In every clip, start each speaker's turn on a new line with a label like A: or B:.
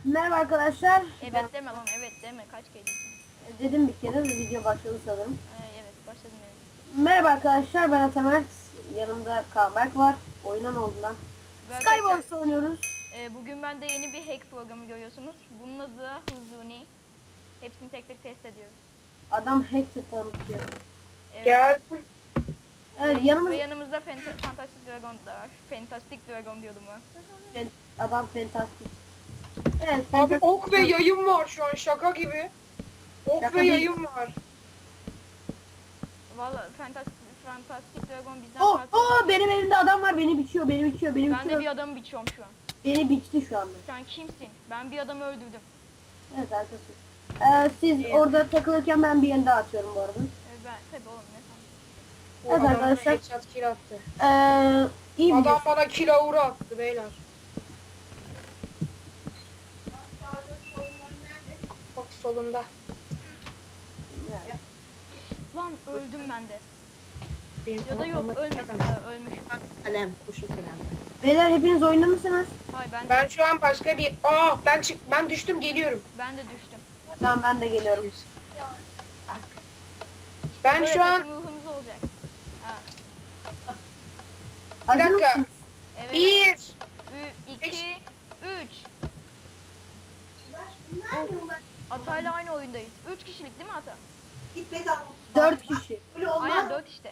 A: Merhaba arkadaşlar.
B: Evet deme lan, evet deme, kaç kere diyeceğim.
A: Dedim bir kere de video başladı sanırım.
B: Evet başladım evet.
A: Merhaba arkadaşlar, ben Atamer. Yanımda Kaan var. Oyuna ne oldu lan?
B: Ve
A: Skywars oynuyoruz.
B: bugün ben de yeni bir hack programı görüyorsunuz. Bunun adı da Huzuni. Hepsini tek tek test ediyoruz.
A: Adam hacker tanıtıyor.
B: Evet.
C: Gel.
A: Evet,
B: Ve yanımızda Fantastic Dragon da var. Fantastic Dragon diyordum ben.
A: adam fantastik. Evet,
C: Abi
A: fantastik-
C: ok ve yayın var şu an şaka gibi. Ok
A: Şaka
C: ve
A: değil.
C: yayın var.
B: Valla Fantastic Dragon bizden
A: Oh,
B: farklı.
A: oh, benim elimde adam var, beni biçiyor, beni biçiyor, beni
B: Ben de
A: biçiyor.
B: bir adamı biçiyorum şu an.
A: Beni biçti şu anda.
B: Sen kimsin? Ben bir adamı öldürdüm.
A: Evet arkadaşlar. Siz orada takılırken ben bir yere atıyorum bu arada.
B: Ben tabii oğlum ne sandın?
C: Bu
A: Evet
C: adam
A: arkadaşlar.
C: bana headshot kill attı.
A: İyi bir
C: Adam bana kill attı beyler. Bak solunda.
B: Lan öldüm ben de.
C: Benim
B: Ya da yok ölmedim. Ölmüşüm.
C: Kalem, kuşu kalem.
A: Beyler hepiniz oyunda mısınız?
B: Hayır
C: Ben şu an başka bir... ben düştüm geliyorum.
B: ben de düştüm.
A: Tamam, ben de geliyorum.
C: Ben
B: Böyle
C: şu an...
B: takım ruhumuz olacak. Ha,
A: Hazır
C: dakika.
A: mısınız?
B: evet.
C: 1
B: 2 3 Atayla aynı oyundayız. 3 kişilik değil mi Ata?
A: 4 kişi.
B: Aynen 4 işte.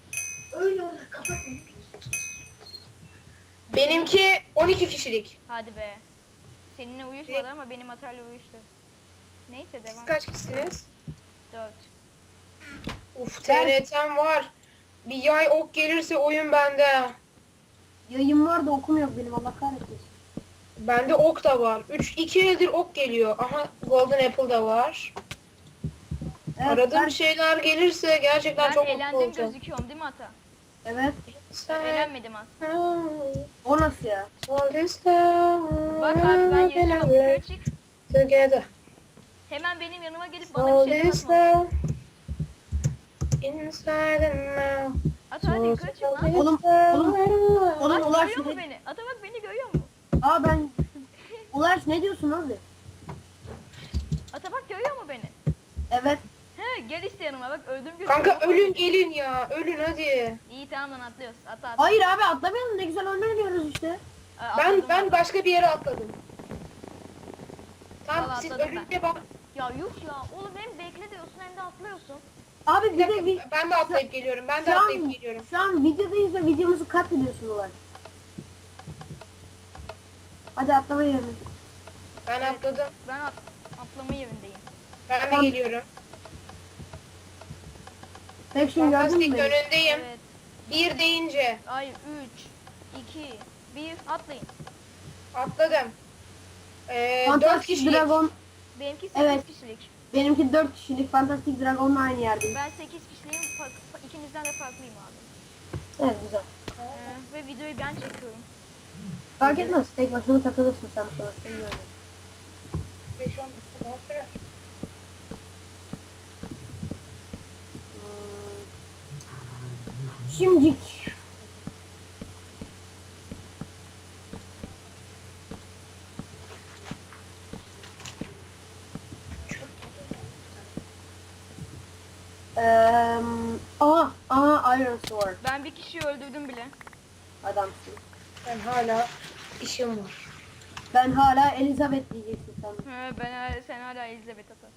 C: benimki 12 kişilik.
B: Hadi be. Seninle uyuşmadı ama benim Atayla uyuştu. Neyse
C: Siz
B: devam.
C: kaç kişisiniz?
B: 4.
C: Uf TRT'm var. Bir yay ok gelirse oyun bende.
A: Yayın var da okum yok benim, Allah kahretsin.
C: Bende ok da var. 2 eldir ok geliyor. Aha Golden Apple da var.
A: Evet,
C: Aradığım şeyler gelirse gerçekten
B: Ben
C: çok mutlu
B: eğlendim
C: olacağım.
B: gözüküyorum değil mi Ata?
A: evet.
B: Ben eğlenmedim az.
A: O nasıl ya?
B: Bak abi ben yaşıyorum. Yukarı çık.
C: Together.
B: Hemen benim yanıma gelip bana
C: All
B: bir şeyler
C: this
B: atma.
C: love inside and now.
B: Ata hadi yukarı çık lan.
A: Oğlum,
B: Bak
A: Ulaş
B: görüyor mu
A: ne?
B: beni? Ata bak beni görüyor mu?
A: Aa ben... Ulaş ne diyorsun abi?
B: Ata bak görüyor mu beni?
A: Evet.
B: He gel işte yanıma bak öldüm gözüküyor.
C: Kanka ölün gelin ya. Ölün hadi.
B: İyi tamam lan atlıyoruz. Ata.
A: Hayır abi, atlamayalım, ne güzel oyun oynuyoruz işte.
C: Ben başka bir yere atladım. Tamam
B: Vallahi
C: siz
B: atladım
C: ölünce bak.
B: Ya yuh ya oğlum hem bekle diyorsun hem de atlıyorsun.
A: Abi
C: Bir
A: bir de
C: dakika, ben de atlayıp geliyorum. Ben de atlayıp geliyorum.
A: şu an videodayız ve videomuzu katlediyorsun Ulaş. Hadi atlama yerine.
C: Ben atladım.
B: Ben atlama yerindeyim.
C: Ben de
A: Tamam.
C: geliyorum.
A: Peki şimdi gördün mü
C: Fantastik
A: beni?
C: önündeyim.
B: Evet.
C: 1 deyince
B: Ay 3 2 1 atlayın.
C: atladım. 4
A: Fantastic
C: kişilik.
A: Dragon,
B: Benimki 8
A: Evet.
B: kişilik.
A: benimki 4 kişilik, Fantastic Dragon'la aynı yerdeyim.
B: Ben 8 kişiliğim. İkinizden de farklıyım abi.
A: Evet, güzel.
B: Ve videoyu ben çekiyorum.
A: Fark etmez, tek başına takılırsın sen sonra. Bilmiyorum.
C: 5-10 dakika daha sürer.
A: Şimdicik. Iron Sword.
B: Ben bir kişiyi öldürdüm bile.
A: Adamsın.
C: Ben hala işim var.
A: Ben hala Elizabeth diyeceksin sen.
B: Sen hala Elizabeth Ata.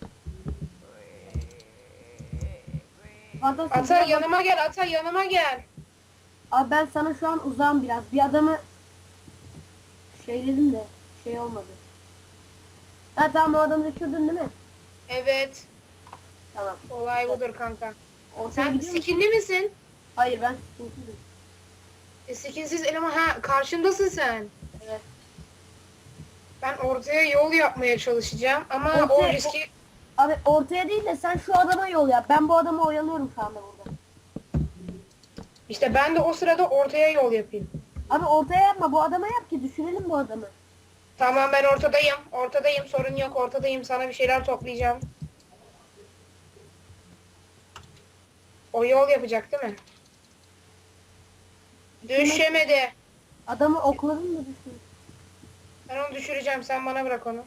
A: Fantastic
C: Ata
A: Dragon-
C: yanıma gel, Ata yanıma gel.
A: Abi ben sana şu an uzağım biraz. Bir adamı şeyledim de şey olmadı. Ha tamam, o adamı düşürdün değil mi?
C: Evet.
A: Tamam.
C: Olay budur kanka.
A: Ortaya
C: Sen
A: gidiyor musun?
C: skinli misin?
A: Hayır, ben sıkıntıyım.
C: Skinsiz eleman. Ha karşımdasın sen.
A: Evet.
C: Ben ortaya yol yapmaya çalışacağım ama o
A: Ortaya-
C: riski...
A: Abi ortaya değil de sen şu adama yol yap. Ben bu adamı oyalıyorum şu anda burada.
C: İşte ben de o sırada ortaya yol yapayım.
A: Abi ortaya yapma, bu adama yap ki düşürelim bu adamı.
C: Tamam ben ortadayım. Ortadayım sorun yok ortadayım. Sana bir şeyler toplayacağım. O yol yapacak değil mi? Düşemedi.
A: Adamı okladın mı düşün?
C: Ben onu düşüreceğim. Sen bana bırak onu.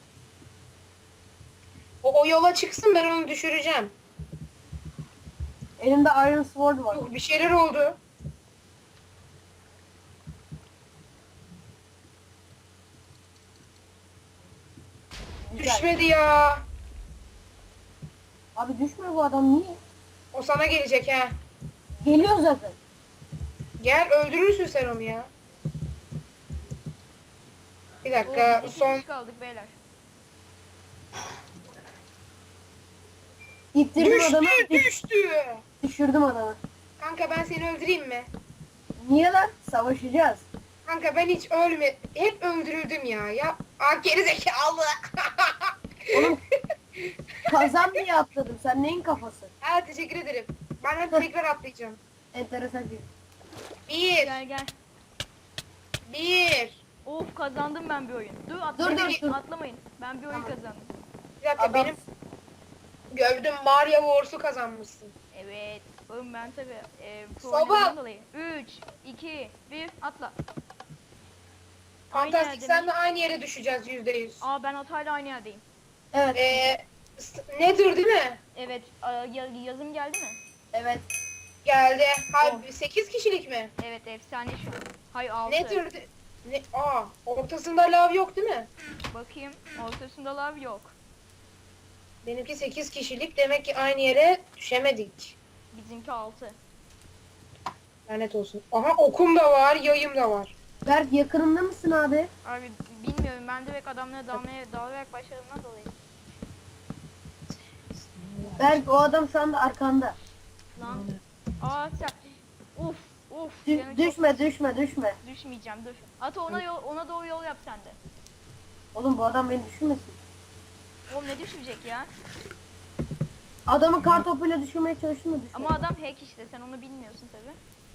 C: O yola çıksın, ben onu düşüreceğim.
A: Elimde Iron Sword var.
C: Yok, bir şeyler oldu.
A: Güzel.
C: Düşmedi ya.
A: Abi düşmüyor bu adam niye?
C: O sana gelecek ha.
A: Geliyor zaten.
C: Gel, öldürürsün sen onu ya. Bir dakika,
B: Oo,
C: son...
B: kişi kaldık beyler.
A: İttirdim adamı.
C: Düştü.
A: Düşürdüm adamı.
C: Kanka ben seni öldüreyim mi?
A: Niye lan? Savaşacağız.
C: Kanka ben hiç hep öldürüldüm ya. Ya gerizekalı.
A: Oğlum kazan diye atladım. Sen neyin kafası?
C: Ha, teşekkür ederim. Ben tekrar atlayacağım.
A: Enteresan bir.
C: Bir.
B: Gel gel.
C: Bir.
B: Of kazandım ben bir oyun. Dur
A: dur, dur.
B: atlamayın. Ben bir oyun
A: Tamam.
B: kazandım.
C: Bir dakika,
A: Adam-
C: benim gördüm, Mario Wars'u kazanmışsın.
B: Evet. Oğlum ben tabi pro
C: Soba.
B: oynadığımdan dolayı. 3, 2, 1 atla. Aynı
C: Fantastik,
B: yerde
C: sen
B: mi?
C: de aynı yere düşeceğiz %100.
B: Aa ben Atay'la aynı yerdeyim.
A: Evet.
C: Nedir değil mi?
B: Evet yazım geldi mi?
A: Evet.
C: Geldi. Hayır,
B: Oh.
C: 8 kişilik mi?
B: Evet efsane şu an. Hayır 6.
C: Nedir? Ortasında lav yok değil mi?
B: Bakayım ortasında lav yok.
C: Benimki 8 kişilik, demek ki aynı yere düşemedik.
B: Bizimki 6.
C: Lanet olsun. Aha, okum da var, yayım da var.
A: Berk yakınımda mısın abi?
B: Abi bilmiyorum ben direkt adamlara dalarak başladığımdan dolayı.
A: Berk o adam şu anda arkanda.
B: Lan. Aa sen. Uf uf.
A: Dü-
B: canım çok-
A: düşme.
B: Düşmeyeceğim dur. Ata ona doğru yol yap sen de.
A: Oğlum bu adam beni düşürmesin.
B: Oğlum ne düşmeyecek ya?
A: Adamı kar topuyla düşürmeye çalıştım da düşmedi.
B: Ama adam hack işte sen onu bilmiyorsun tabi.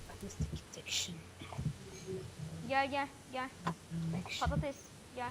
B: Gel. Patates gel.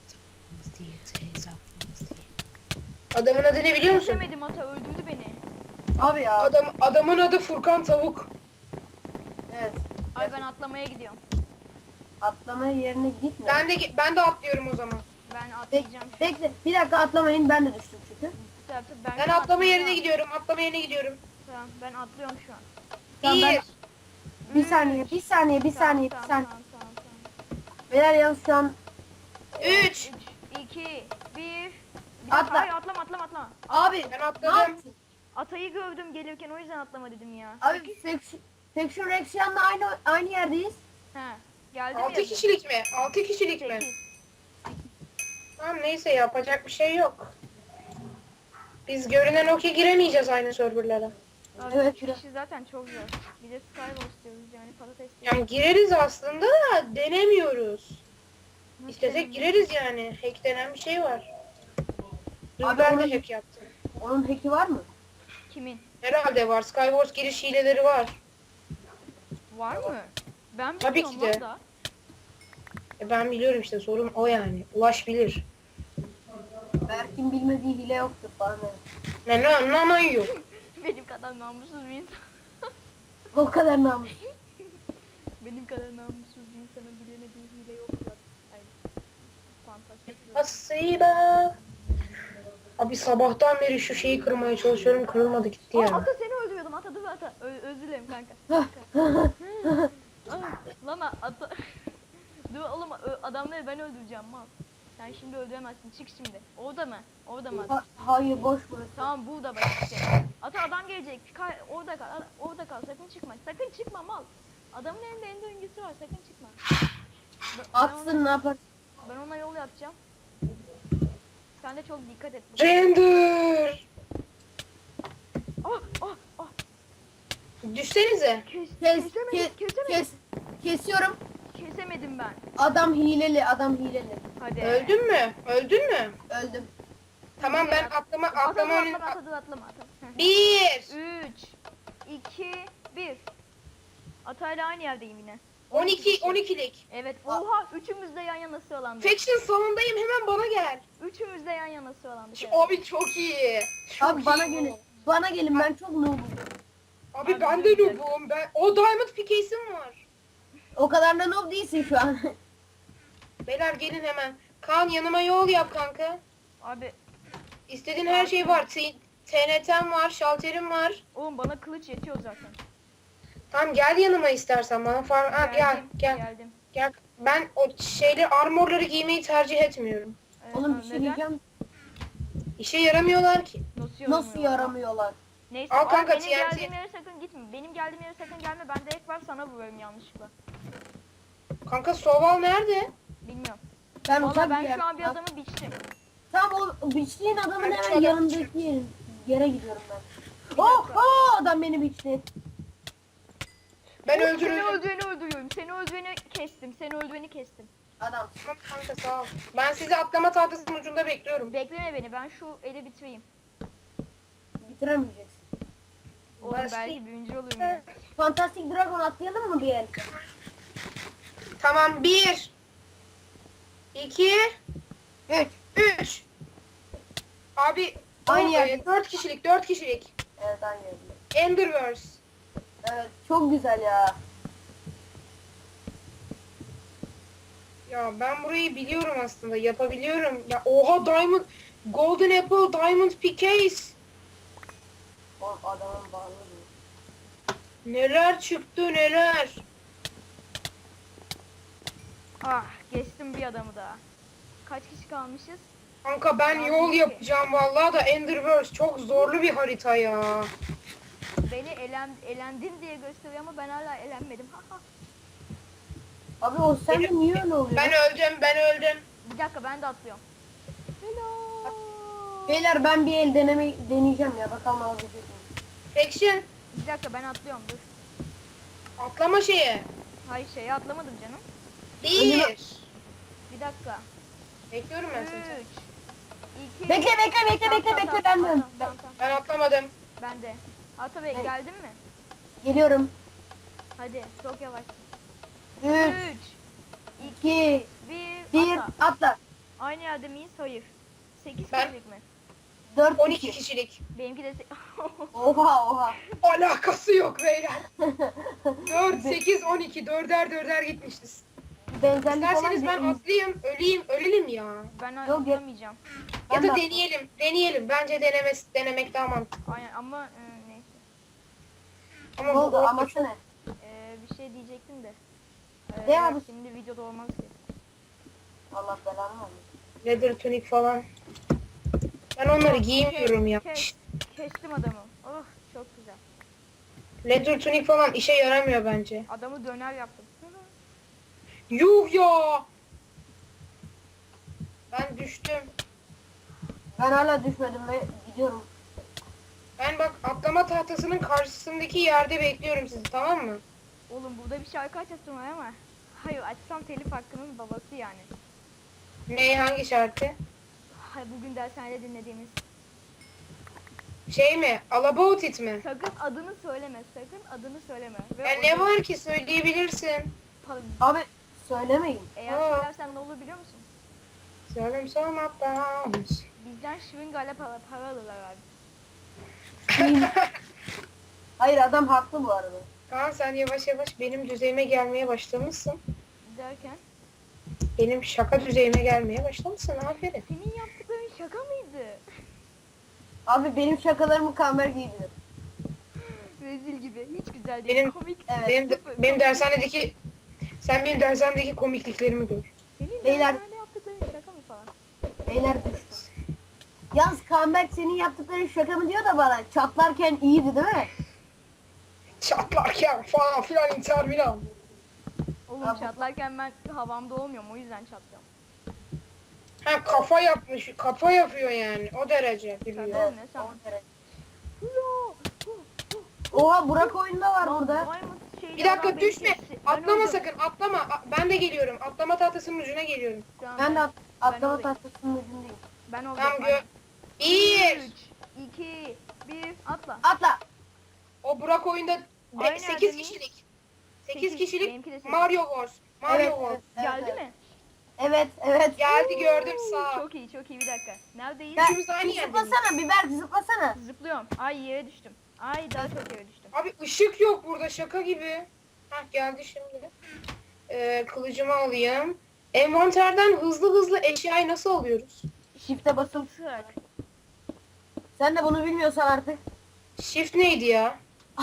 C: Adamın adı ne biliyor musun?
B: Düşemedim ata öldürdü beni.
A: Abi ya.
C: Adamın adı Furkan Tavuk.
A: Evet.
B: Ay ben atlamaya gidiyorum.
A: Atlamaya yerine gitme.
C: Ben de atlıyorum o zaman.
B: Ben
A: Bek,
B: atlayacağım.
A: bekle. Bir dakika atlamayın. Ben de düştüm çünkü.
C: Ben atlama yerine gidiyorum.
B: Tamam ben atlıyorum şu an.
A: Tamam, ben-
C: Bir.
A: Bir saniye.
B: Tamam.
A: Beyler yalnız şu an
C: 3.
B: 2, 1.
A: Atla.
B: Hayır atlama.
A: abi
C: Ben
A: ne
C: atladım.
A: yaptın?
B: Atayı gördüm gelirken o yüzden atlama dedim ya.
A: Abi Faction Rexian'la aynı yerdeyiz.
B: He. Geldi
C: 6 kişilik mi? 6 kişilik mi?
B: 8.
C: Tamam, neyse, yapacak bir şey yok. Biz görünen o ki giremeyeceğiz aynı serverlara.
B: Abi
A: Evet,
B: 3
A: biraz.
B: kişi zaten çok zor. Bir de Skywars diyoruz yani patates diyoruz.
C: Yani gireriz aslında da denemiyoruz.
B: Nasıl
C: İstesek
B: deneyim?
C: gireriz yani. Hack denen bir şey var. Dur,
A: Abi
C: ben
A: onun-
C: de hack yaptım.
A: Onun hack'i var mı?
B: Kimin?
C: Herhalde var. Skywars giriş hileleri var.
B: Var mı? Ben
C: Tabii
B: bilmiyorum
C: ki de.
B: valla.
C: Ben biliyorum işte, sorun o yani. Ulaş bilir.
A: Berk'in bilmediği hile yoktur falan.
C: Ne yok.
B: Benim kadar namussuz bir insan.
A: O kadar namus.
B: Benim kadar namussuz bir insanın bilemediği hile yok zaten. Aynen. Fantastik.
C: Hasiba. Abi sabahtan beri şu şeyi kırmaya çalışıyorum. Kırılmadı, gitti
B: Aa,
C: ya.
B: Ata seni öldürüyordum Ata dur Ata. Özür dilerim kanka. Lan Ata. Dur oğlum adamları ben öldüreceğim mal. Sen şimdi öldüremezsin çık şimdi. Orada mı? Orada mı?
A: Hayır boş burası.
B: Tamam burada bak işte. Ata adam gelecek. Orada kal. Orada kal. Sakın çıkma. Sakın çıkma mal. Adamın elinde ender öngüsü var. Sakın çıkma.
A: Atsın ne yapar?
B: Ben ona yol yapacağım. Sen de çok dikkat et.
C: Render.
B: Oh oh oh.
C: Düşsenize.
A: Kesiyorum.
B: Kesemedim ben.
A: Adam hileli.
B: Hadi.
C: Öldün mü?
A: Öldüm.
C: Tamam, ben atlama önüne...
B: Atlama.
C: 1.
B: 3 2 1. Atayla aynı yerdeyim yine.
C: 12'lik.
B: Evet. Oha üçümüz de yan yana sıralandık.
C: Faction salondayım, hemen bana gel.
B: Üçümüz de yan yana sıralandık. Evet.
C: Abi çok iyi. Çok
A: Abi bana
C: iyi.
A: gelin. Bana gelin ben çok noobum.
C: Abi
B: Abi
C: ben de
B: güzel.
C: noobum. O Diamond Pickaxe'im var.
A: O kadar da noob değilsin şu an.
C: Beyler gelin hemen. Kaan yanıma yol yap kanka.
B: Abi
C: İstediğin her şey var. TNT'm var, şalterim var.
B: oğlum bana kılıç yetiyor zaten.
C: Tamam gel yanıma istersen bana gel
B: Geldim,
C: gel
B: Geldim.
C: gel. Ben o şeyleri armorları giymeyi tercih etmiyorum.
A: Oğlum bir şey
B: neden?
A: diyeceğim.
C: İşe yaramıyorlar ki.
A: Nasıl yaramıyorlar?
B: Neyse
C: Al
B: ama
C: kanka,
B: benim
C: TNT.
B: geldiğim yere sakın gitme. Benim geldiğim yere sakın gelme. Ben direkt var sana vuruyorum yanlışlıkla.
C: Kanka Soval nerede?
B: Bilmiyorum.
A: Ben
B: Valla
A: uzak
B: ben
A: bir
B: şu an bir
A: yerden-
B: adamı biçtim.
A: Tam o biçtiğin adamın
C: Ben şu
A: hemen
C: adamı
A: yanındaki yere gidiyorum ben.
B: Bir
A: Oh,
B: dakika.
A: oh adam beni biçti.
C: Ben
B: Seni
C: öldürüyorum.
B: öldürüyorum. Seni öldüreni kestim. Seni öldüreni kestim.
A: Adam.
C: Tamam kanka sağ ol. Ben sizi atlama tahtasının ucunda bekliyorum.
B: Bekleme beni. Ben şu eli bitireyim.
A: Bitiremeyeceksin.
B: Oğlum
C: Başlayayım.
B: belki birinci olurum ya.
A: Fantastic Dragon atlayalım mı bir el?
C: Tamam 1 2
A: 3.
C: 3 Abi
A: Aynı yerde.
C: 4 kişilik 4 kişilik.
A: Evet aynı yerde.
C: Enderverse.
A: Evet çok güzel ya.
C: Ya ben burayı biliyorum aslında. Yapabiliyorum. Ya oha Diamond Golden Apple Diamond Pickaxe.
A: Oğlum adamın bağlı değil.
C: Neler çıktı neler.
B: Ah geçtim bir adamı daha. Kaç kişi kalmışız?
C: Kanka ben
B: Abi,
C: yol
B: ki.
C: yapacağım vallahi da Enderverse çok zorlu bir harita ya.
B: Beni elendin diye gösteriyor ama ben hala elenmedim.
A: Abi o sen de niye öyle oluyor?
C: Ben öldüm.
B: Bir dakika ben de atlıyorum. Hello.
A: Beyler ben bir el deneyeceğim ya bakalım alabilecek miyim?
C: Action.
B: Bir dakika ben atlıyorum dur.
C: Atlama şeye.
B: Hayır şeye atlamadım canım.
C: 1
B: Bir dakika.
C: Bekliyorum ben seni.
B: 3 2
A: Bekle bekle ben de.
B: Tamam.
C: Ben atlamadım.
B: Ben de. Ata Bey
A: Evet.
B: geldin mi?
A: Geliyorum.
B: Hadi çok yavaş.
A: 3,
B: 3
A: 2,
B: 1
A: 1
B: atla.
A: atla.
B: Aynı yerde miyiz? Hayır. 8
C: Ben-
B: kişilik mi?
A: 4
C: 12
A: kişi.
C: kişilik.
B: Benimki de
A: Oha.
C: Alakası yok beyler. 4, 8, 12. Dörder gitmişiz.
A: Benzerlik
C: İsterseniz
A: olan
C: ben atlayayım, ölelim ya.
B: ben
A: Yok.
B: atlamayacağım.
C: Ya
A: Ben
C: da
A: de-
C: deneyelim. Bence denemek daha mantıklı.
B: Aynen ama neyse.
C: Ama
A: Ne
C: bu
A: oldu
C: orada
A: aması
C: çok-
A: ne?
B: Bir şey diyecektim de.
A: Ne
B: yok,
A: abi?
B: şimdi videoda olmaz ki.
A: Allah belanı versin.
C: Leather tunic falan. Ben onları giymiyorum ya.
B: Kestim adamı. Oh çok güzel.
C: Leather tunic falan işe yaramıyor bence.
B: Adamı döner yaptım.
C: Yuh ya! Ben düştüm.
A: Ben hala düşmedim ve gidiyorum.
C: Ben bak atlama tahtasının karşısındaki yerde bekliyorum sizi, tamam mı?
B: Oğlum burada bir şarkı açasın var ama. Hayır açsam telif hakkının babası yani.
C: Ne, hangi şarkı?
B: Hayır bugün dershanede dinlediğimiz.
C: Şey mi? All About It mi?
B: Sakın adını söyleme. Sakın adını söyleme. Ve
C: Ya ne var ki, söyleyebilirsin.
A: Abi söylemeyin.
B: Eğer
C: Aa.
B: söylersen ne olur biliyor musun?
C: Söylem sormaktan.
B: Bizden şırıngayla para alırlar abi.
A: Hayır adam haklı bu arada.
C: Kaan sen yavaş yavaş benim düzeyime gelmeye başlamışsın.
B: Derken
C: Benim şaka düzeyime gelmeye başlamışsın, aferin.
B: senin yaptıkların şaka mıydı?
A: Abi benim şakalarımı kamer giydirir.
B: Rezil gibi. Hiç güzel değil.
C: Benim-
B: Komik.
A: Evet.
C: Benim dershanedeki, sen benim dershanedeki komikliklerimi gör.
B: Senin
A: Beyler-
B: dershanede yaptıkların şaka mı falan?
A: Beyler düştü. Yalnız Kamber senin yaptıkların şaka mı diyor da bana çatlarken iyiydi değil mi?
C: Çatlarken falan filan intihar filan.
B: Oğlum
A: Abi-
B: çatlarken ben havamda olmuyorum o yüzden çatlıyorum.
C: Ha kafa yapmış, kafa yapıyor yani, o derece biliyor.
B: Tabii. Ne sen?
A: on derece.
B: Yo!
A: Oha Burak oyunda var
B: Lan
A: burada.
B: Diamond şeyli
C: Bir dakika
B: adam beni
C: düşme,
B: kesti. Ben
C: atlama
B: öldüm.
C: sakın, atlama. Ben de geliyorum, atlama tahtasının ucuna geliyorum.
B: Şu an
A: Ben de atlama
B: oradayım.
A: tahtasının ucundayım.
B: Ben oldum.
C: Tamam gö... 1
B: 3, 2, 1, atla.
A: Atla.
C: O Burak oyunda
B: Aynı
C: 8
B: yerde miyiz?
C: kişilik. 8
B: Sekiz,
C: kişilik
B: benimki de sekiz.
C: Mario Wars. Mario
A: Evet,
C: Wars.
A: evet,
B: Geldi
A: evet.
B: mi?
A: Evet.
C: Geldi, gördüm, sağ.
B: Çok iyi bir dakika. Neredeyiz?
A: Ben,
C: Üçümüz aynı yerde miyiz?
A: zıplasana biber zıplasana.
B: Zıplıyorum. Ay yere düştüm. Ay daha çok yere düştüm.
C: Abi ışık yok burada, şaka gibi. Hah geldi şimdi. Kılıcımı alayım. Envanterden hızlı hızlı eşyayı nasıl alıyoruz?
A: Shift'e basılı.
B: Tık.
A: Sen de bunu bilmiyorsan artık.
C: Shift neydi ya?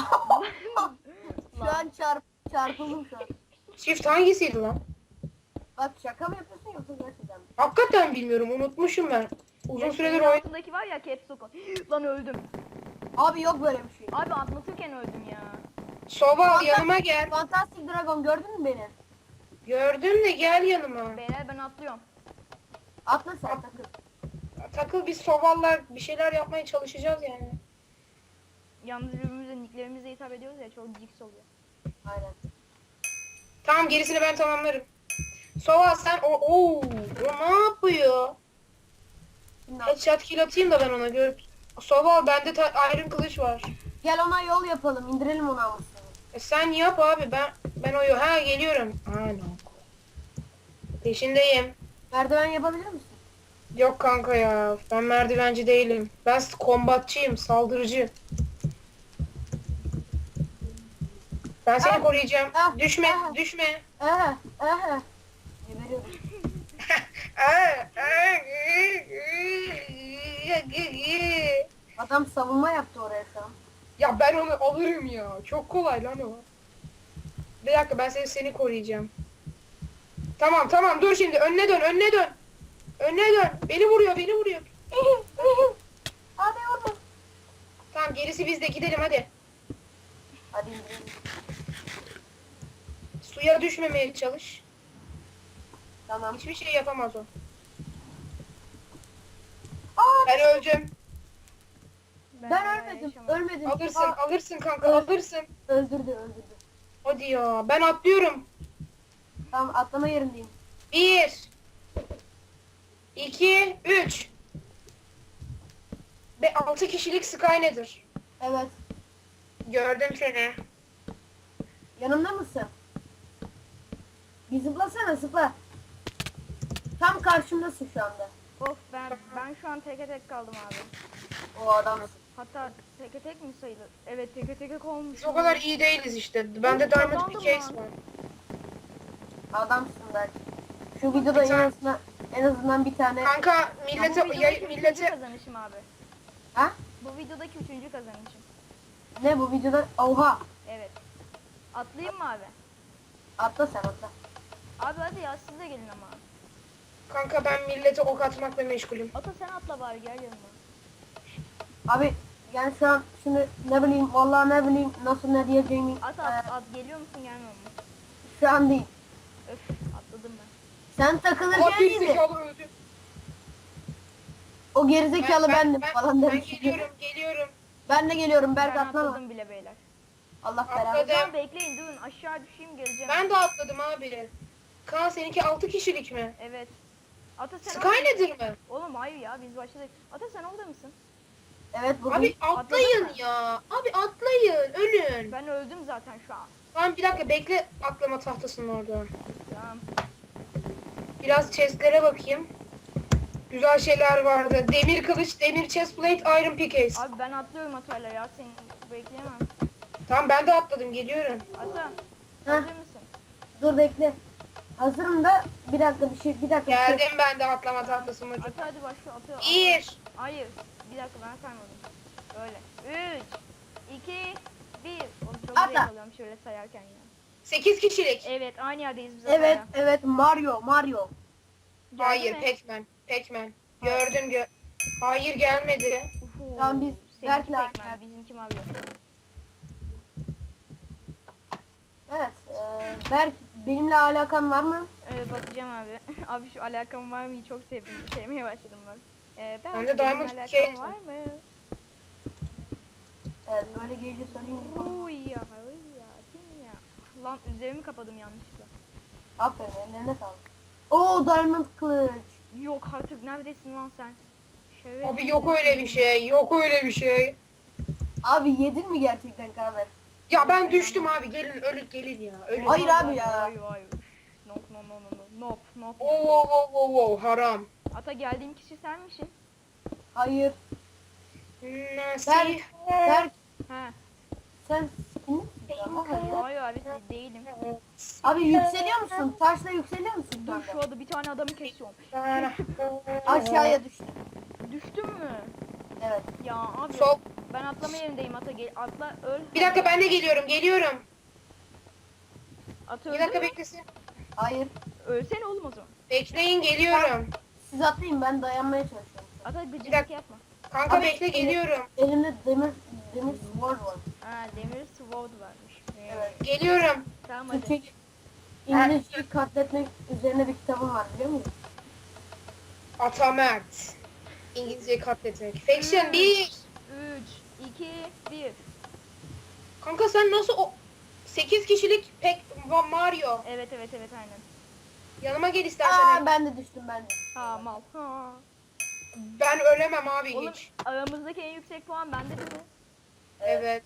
A: Şu an çarpıldım şu an.
C: Shift hangisiydi lan?
A: Bak şaka mı yapıyorsun yoksa gerçekten mi?
C: Hakikaten bilmiyorum, unutmuşum ben. Uzun
B: Ya
C: süredir
B: şeyin
C: oyun...
B: altındaki var ya caps lock. Lan öldüm.
A: Abi yok böyle bir şey.
B: Abi anlatırken öldüm ya.
C: Soval yanıma gel.
A: Fantastic Dragon gördün mü beni?
C: Gördüm de gel yanıma.
B: Beyler ben atlıyorum.
A: Atla sen takıl.
C: Takıl, biz Soval'la bir şeyler yapmaya çalışacağız yani.
B: Yalnız birbirimize nicklerimizle hitap ediyoruz ya, çok jiks oluyor.
A: Aynen.
C: Tamam, gerisini ben tamamlarım. Soval sen o ne yapıyor?
A: Şimdi
C: Headshot kill atayım da ben ona görüp. Soval bende iron kılıç var.
A: gel ona yol yapalım. İndirelim onu almışsın.
C: Sen yap abi, ben geliyorum. No. Peşindeyim.
A: Merdiven yapabilir misin?
C: Yok kanka ya, ben merdivenci değilim. Ben kombatçıyım, saldırıcı. Ben seni
A: Ah,
C: koruyacağım.
A: ah,
C: Düşme,
A: ah.
C: düşme.
A: Geberiyorum. Adam savunma yaptı oraya şu an.
C: Ya ben onu alırım ya. Çok kolay lan o. Bir dakika, ben seni koruyacağım. Tamam, dur şimdi, önüne dön. Önüne dön. Beni vuruyor.
A: Hadi oğlum.
C: Tamam, gerisi bizde, gidelim hadi.
A: Hadi indirelim.
C: Suya düşmemeye çalış.
A: Tamam.
C: Hiçbir şey yapamaz o.
A: Aa,
C: Ben öldüm.
A: ben ölmedim.
B: yaşamadım.
A: Ölmedim.
C: Alırsın kanka,
A: Evet.
C: alırsın.
A: Öldürdü.
C: Hadi ya, ben atlıyorum.
A: Tamam atlama yerindeyim.
C: 1 2 3 Ve 6 kişilik Skynedir.
A: Evet.
C: Gördüm seni.
A: Yanımda mısın? Bir zıplasana zıpla. Tam karşımdasın şu anda.
B: Of ben şu an teke tek kaldım abi.
A: O adam.
B: Hatta teke tek mi sayılır? Evet teke tek olmuş.
C: Biz o kadar iyi değiliz işte. Bende Diamond
B: kazandım
C: bir case
B: lan.
C: var.
A: Adamsın belki. Şu videoda en azından bir tane.
C: Kanka
B: Bu
C: millete
B: videodaki üçüncü
C: millete
B: kazanışım abi.
A: Ha?
B: Bu videodaki üçüncü kazanışım.
A: Ne bu videoda? Oha.
B: Evet. Atlayayım mı abi?
A: Atla sen atla.
B: Abi hadi ya siz de gelin ama.
C: kanka ben millete ok atmakla meşgulüm.
B: Ata sen atla bari gel yanıma.
A: Abi yani şu an şimdi ne bileyim vallahi ne bileyim nasıl ne diyeceğimi
B: At geliyor musun gelmiyor musun?
A: şu an değil.
B: Öf atladım ben.
A: Sen
C: Aa,
A: takılırken
C: bir
A: iyiydi.
C: zekalı öldü.
A: O gerizekalı bendim falan
C: ben
A: demiş.
C: geliyorum.
A: Ben de geliyorum Berk
B: Ben
A: atlama.
B: atladım bile beyler.
A: Allah belanı.
C: Atladım.
B: Tamam bekleyin durun aşağı düşeyim geleceğim.
C: Ben de atladım abi. Kaan seninki 6 kişilik mi?
B: Evet. Ata sen
C: Sky nedir mi?
B: Oğlum hayır ya biz başladık. Ata sen orada mısın?
A: Evet bugün.
C: Abi atlayın
B: Atladın mı?
C: ya. Abi atlayın. Ölün.
B: Ben öldüm zaten şu an.
C: Tamam bir dakika bekle, atlama tahtasının orada.
B: Tamam.
C: Biraz chestlere bakayım. Güzel şeyler vardı. Demir kılıç, demir chestplate, iron pickaxe.
B: Abi ben atlıyorum Ata'yla ya seni bekleyemem.
C: Tamam ben de atladım, geliyorum.
B: Ata
A: Heh.
B: hazır mısın?
A: Dur bekle. Hazırım da bir dakika bir şey.
C: Geldim ben de atlama tahtasına.
B: Ata hadi başla Ata.
C: Bir.
B: Hayır. Bir dakika ben saymadım. Böyle. 3 2 1 Oğlum çok
A: Atla.
B: zevk alıyorum şöyle sayarken ya.
C: 8 kişilik.
B: Evet aynı yerdeyiz biz
A: Evet
B: Ata'yla.
A: evet Mario.
B: Geldi
C: Hayır,
B: mi?
C: Pac-Man. Gördüm. Hayır, gelmedi.
B: Uhu,
A: Tamam, biz
B: seninki
A: Berk'le
B: Pac-Man,
A: aynı.
B: bizimki Mario.
A: Evet. Berk benimle alakan var mı?
B: Bakacağım abi. Abi şu alakam var mı? Çok sevdim. Sevmeye başladım bak.
C: Ben de Diamond
B: alakam
C: Cake
B: var mı?
A: Evet böyle gece sorayım.
B: Uy ya. Kim ya? Lan üzerimi kapadım yanlışlıkla.
A: Aferin ellerine sağlık. Oo Diamond kılıç.
B: Yok artık neredesin lan sen? Şöyle.
C: Abi yok öyle bir şey.
A: Abi yedin mi gerçekten kahve?
C: Ya ben düştüm abi, gelin ya. Ölün.
A: Hayır abi ya.
B: Hayır. Nope.
C: Oo, haram.
B: Ata geldiğim kişi sen misin?
A: Hayır.
C: Nasıl?
A: Berk
B: He.
A: sen skinli misin?
B: Hayır abi değilim.
A: Abi yükseliyor musun? Taşla yükseliyor musun?
B: Dur
A: kanka?
B: şu anda bir tane adamı kesiyorum.
A: Aşağıya düştüm.
B: Düştün mü?
A: Evet.
B: Ya abi
C: Sol.
B: ben atlama yerindeyim ata gel atla öl.
C: Bir dakika ben de geliyorum.
B: At
C: Bir
B: öldü
C: dakika
B: mü?
C: beklesin.
A: Hayır.
B: Ölsene oğlum o zaman.
C: Bekleyin geliyorum.
A: Siz atlayın, ben dayanmaya çalışıyorum.
B: Ata gıcıklık
C: dakika.
B: yapma.
C: Kanka
A: Abi,
C: bekle geliyorum.
A: Elimde demir sword var.
B: Ha demir sword varmış.
A: Evet.
C: Geliyorum.
B: Tamam hadi.
A: Türkçe İngilizceyi katletmek üzerine bir kitabım var, biliyor musun?
C: Atamert. İngilizceyi katletmek. Faction 1.
B: 3, 2, 1.
C: Kanka sen nasıl o 8 kişilik pek Mario.
B: Evet aynen.
C: Yanıma gel istersen.
A: Ben de düştüm, ben de.
B: Ha mal. Ha.
C: Ben ölemem abi
B: Oğlum
C: hiç.
B: aramızdaki en yüksek puan bende değil mi?
C: Evet.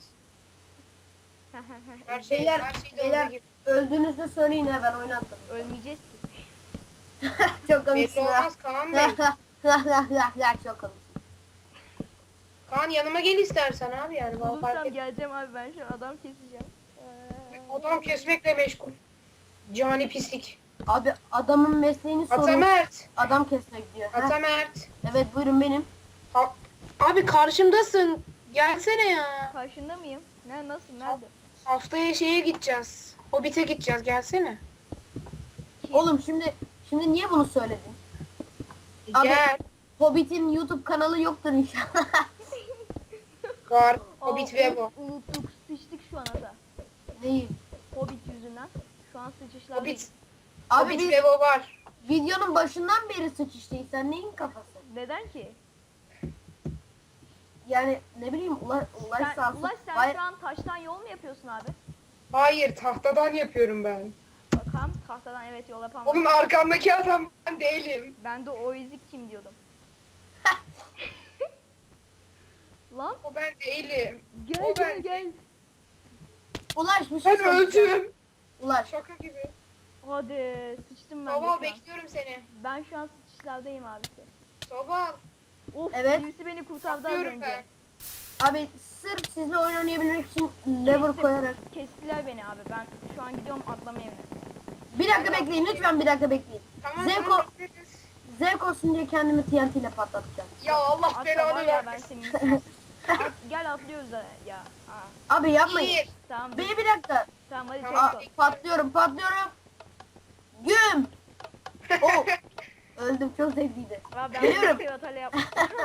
C: Her şey
A: Beyler,
C: her şeyde
A: beyler
C: olduğu gibi.
A: öldüğünüzde söyleyin, ha ben oynattım.
B: Ölmeyeceğiz ki.
A: Çok
C: Belli
A: komiksin ha.
C: olmaz Kaan Bey.
A: Çok komik.
C: Kaan yanıma gel istersen abi yani. Bana fark
B: Bulursam
C: et.
B: geleceğim abi ben şu an adam keseceğim.
C: Adam kesmekle meşgul. Cani pislik.
A: Abi adamın mesleğini sorun.
C: Atamert.
A: Adam kesmek diyor. Heh.
C: Atamert.
A: Evet buyurun benim.
C: Abi karşımdasın. Gelsene ya.
B: Karşında mıyım? Nasıl? Nerede?
C: Haftaya şeye gideceğiz. Hobbit'e gideceğiz. Gelsene.
A: Oğlum şimdi niye bunu söyledin? Abi-
C: Gel.
A: Hobbit'in YouTube kanalı yoktur inşallah.
C: Var.
B: Aa,
C: Hobbit ve bu.
B: Unuttuk. Sıçtık şu an ata.
A: Neyi?
B: Hobbit yüzünden. Şu an sıçışlarda.
C: Hobbit.
A: Abi
C: Hobbit
A: biz
C: ve bu var.
A: videonun başından beri sıçıştıyız. Sen neyin kafası?
B: Neden ki?
A: Yani ne bileyim Ulaş sağ olsun.
B: Ulaş sen
A: Vay-
B: şu an taştan yol mu yapıyorsun abi?
C: Hayır tahtadan yapıyorum ben.
B: Bakalım tahtadan evet yol yapamam.
C: Oğlum arkamdaki adam ben değilim.
B: Ben de o ezik kim diyordum. Lan
C: O ben değilim.
B: gel
C: O
B: gel
C: ben.
B: gel.
A: Ulaş bir şey
C: Ben
A: söyleyeceğim.
C: öldüm.
A: Ulaş.
C: Şaka gibi.
B: Hadi sıçtım ben de
C: Soval
B: şu an.
C: bekliyorum seni.
B: Ben şu an sıçışlardayım abisi.
C: Soval.
B: Of
A: Evet.
B: birisi beni kurtardı az
C: Bakıyorum
B: önce.
C: ben.
A: Abi sırf sizle oyun oynayabilmek için lever koyarak.
B: Kestiler beni abi. Ben şu an gidiyorum atlama evine.
A: Bir dakika bekleyin lütfen, bir dakika bekleyin.
C: Tamam
A: Zevk,
C: tamam bekleriz.
A: zevk olsun diye kendimi TNT ile patlatacağım.
C: Ya Allah
B: Atla var
C: belanı
B: ya ben
C: vermesin.
B: senin. Gel atlıyoruz da ya. Aa,
A: Abi yapmayın.
C: Bir.
B: tamam.
A: Bir dakika.
B: Tamam hadi
C: Tamam.
B: çabuk ol.
A: Patlıyorum. Güm. Oh. Öldüm, çok zevkliydi.
B: Aa, ben
A: Geliyorum.
B: bir hata yaptım.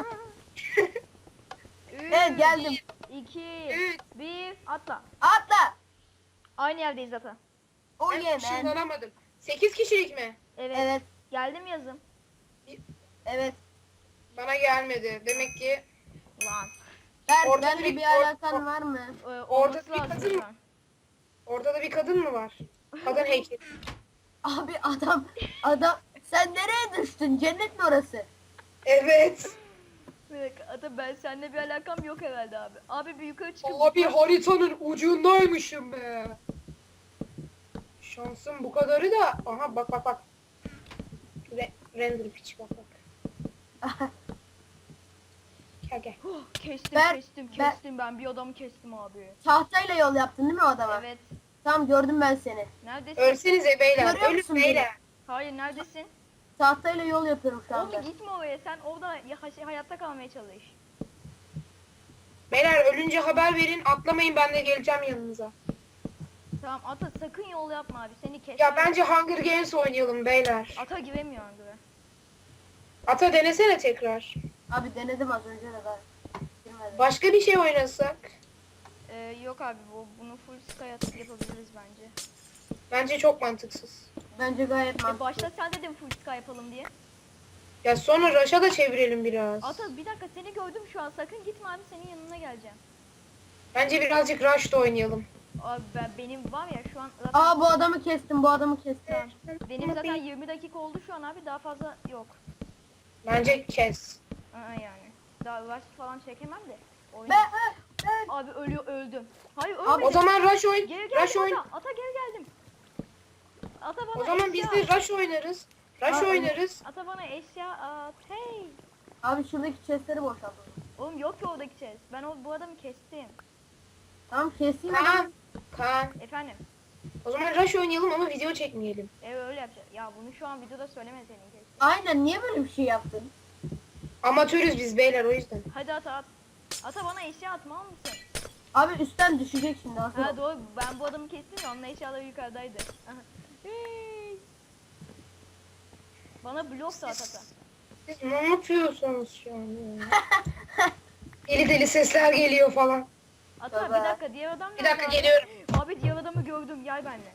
A: Evet geldim.
B: 2
C: Üç.
B: 1 atla.
A: Atla.
B: Aynı yerdeyiz zaten.
A: Oh
C: Ben
A: yeah man.
C: ışınlanamadım. 8 kişilik mi?
B: Evet.
A: Evet.
B: Geldim yazım.
A: Evet.
C: Bana gelmedi. Demek ki
B: Lan.
C: Orada
A: Benle
C: bir-
A: bir alakan var mı?
C: Orada
B: Olması
C: bir
B: lazım
C: kadın-
B: şu an.
C: orada da bir kadın mı var? Kadın heykeli.
A: Abi adam sen nereye düştün? Cennet mi orası?
C: Evet.
B: Bir dakika, ata ben seninle bir alakam yok herhalde abi. Abi bir yukarı çıkıp
C: Abi haritanın ucundaymışım be. Şansım bu kadarı da. Aha bak. Render piç bak. Gel.
B: Oh, kestim
A: Ben-
B: kestim ben bir adamı kestim abi.
A: Tahtayla yol yaptın değil mi o adama?
B: Evet.
A: Tamam gördüm ben seni.
B: Neredesin?
C: Ölsenize beyler.
A: Görüyor
C: Ölün
A: musun beni?
C: beyler.
B: Hayır neredesin?
A: Tahtayla yol yapıyorum şu anda.
B: Oğlum gitme oraya sen orada hayatta kalmaya çalış.
C: Beyler ölünce haber verin. Atlamayın ben de geleceğim yanınıza.
B: Tamam ata sakın yol yapma abi seni kes.
C: Ya bence Hunger Games oynayalım beyler.
B: Ata giremiyor gibi.
C: Ata denesene tekrar.
A: Abi denedim az önce de ben. Girmedi.
C: Başka bir şey oynasak.
B: Yok abi bunu full sky atıp yapabiliriz bence.
C: Bence çok mantıksız.
A: Bence gayet mantıklı.
B: Başta sen dedin full sky yapalım diye.
C: Ya sonra Rush'a da çevirelim biraz.
B: Ata bir dakika seni gördüm şu an sakın gitme abi senin yanına geleceğim.
C: Bence birazcık Rush'da oynayalım.
B: Abi benim var ya şu an zaten
A: Aa bu adamı kestim, bu adamı kestim.
B: benim zaten 20 dakika oldu şu an abi daha fazla yok.
C: Bence kes.
B: Yani. Daha rush falan çekemem de. Oyun.
A: Ben
B: Abi öldüm. Hayır
A: Abi,
B: ölmedim.
C: O zaman Rush oyun.
B: Geri
C: Rush
B: geldim
C: oyun.
B: ata geri geldim. Ata bana
C: O zaman biz de Rush oynarız. Rush
A: Abi,
C: oynarız.
B: Ata bana eşya at. Hey.
A: abi şuradaki chestleri boşaltalım.
B: Oğlum yok ki oradaki chest. Ben bu adamı kestim.
A: Tamam keseyim
C: Kaan,
A: adam.
C: Kaan.
B: Efendim.
C: O zaman Rush oynayalım ama video çekmeyelim.
B: Evet öyle yapacağız. Ya bunu şu an videoda söylemeseydin keşke.
A: Aynen, niye böyle bir şey yaptın?
C: Amatörüz biz beyler o yüzden.
B: Hadi ata at. Ata bana eşya atma al mısın?
A: Abi üstten düşecek şimdi
B: Ha
A: Hasan.
B: doğru ben bu adamı kestim ya onun eşyaları yukarıdaydı. Aha. Hey. Bana blok da at ata.
C: Siz ne yapıyorsunuz şu an ya? Deli deli sesler geliyor falan.
B: Ata
A: Baba.
B: bir dakika diğer adam
C: Bir
B: nerede
C: dakika
B: abi?
C: geliyorum.
B: Abi diğer adamı gördüm gel benimle.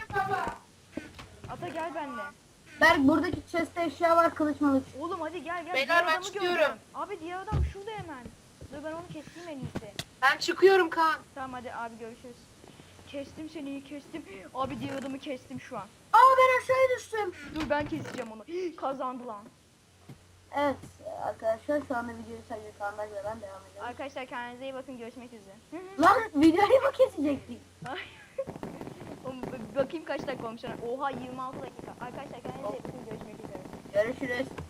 B: Ata gel benimle.
A: Berk, buradaki chest'te eşya var, kılıç mılıç.
B: Oğlum hadi gel gel.
C: Beyler,
B: diğer
C: ben
B: adamı
C: çıkıyorum.
B: gördüm. Abi diğer adam şurada hemen. Dur ben onu keseyim en iyisi.
C: Ben çıkıyorum Kaan.
B: Tamam hadi abi görüşürüz. Kestim seni kestim. Abi diğer adamı kestim şu an.
A: Aa, ben aşağıya düştüm.
B: Dur ben keseceğim onu. Kazandı lan.
A: Evet arkadaşlar, şu anda videoyu sadece Kaan'la ben devam ediyorum.
B: Arkadaşlar kendinize iyi bakın görüşmek üzere.
A: Lan videoyu mu kesecektik?
B: Ay. Oğlum, bakayım kaç dakika olmuş. Oha 26 dakika. Arkadaşlar kendinize iyi bakın görüşmek üzere.
A: Görüşürüz.